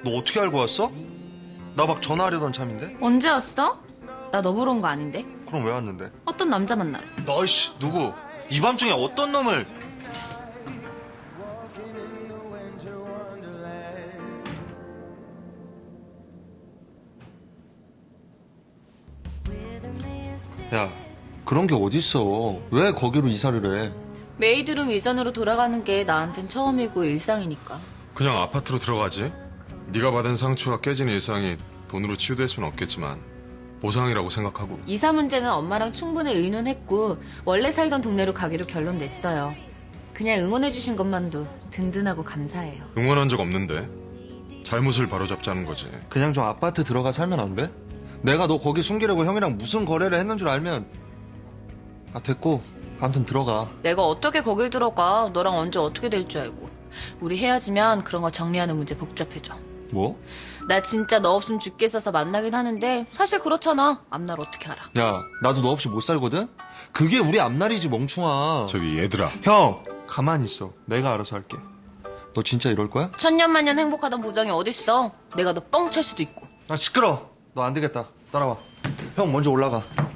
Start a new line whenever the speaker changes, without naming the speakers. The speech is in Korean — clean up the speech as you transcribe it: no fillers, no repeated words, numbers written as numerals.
너 어떻게 알고 왔어? 나 막 전화하려던 참인데?
언제 왔어? 나 너 보러 온 거 아닌데?
그럼 왜 왔는데?
어떤 남자 만나러.
너이씨 누구? 이 밤중에 어떤 놈을? 야, 그런 게 어딨어. 왜 거기로 이사를 해?
메이드룸 이전으로 돌아가는 게 나한텐 처음이고 일상이니까.
그냥 아파트로 들어가지. 네가 받은 상처가 깨진 일상이 돈으로 치유될 수는 없겠지만 보상이라고 생각하고.
이사 문제는 엄마랑 충분히 의논했고 원래 살던 동네로 가기로 결론 냈어요. 그냥 응원해주신 것만도 든든하고 감사해요.
응원한 적 없는데 잘못을 바로잡자는 거지.
그냥 좀 아파트 들어가 살면 안 돼? 내가 너 거기 숨기려고 형이랑 무슨 거래를 했는 줄 알면. 아, 됐고. 아무튼 들어가.
내가 어떻게 거길 들어가. 너랑 언제 어떻게 될 줄 알고. 우리 헤어지면 그런 거 정리하는 문제 복잡해져.
뭐?
나 진짜 너 없으면 죽겠어서 만나긴 하는데 사실 그렇잖아. 앞날 어떻게 알아.
야, 나도 너 없이 못 살거든? 그게 우리 앞날이지, 멍충아.
저기 얘들아,
형, 가만히 있어. 내가 알아서 할게. 너 진짜 이럴 거야?
천년만년 행복하던 보장이 어딨어. 내가 너 뻥 찰 수도 있고.
아, 시끄러. 너 안 되겠다. 따라와. 형 먼저 올라가.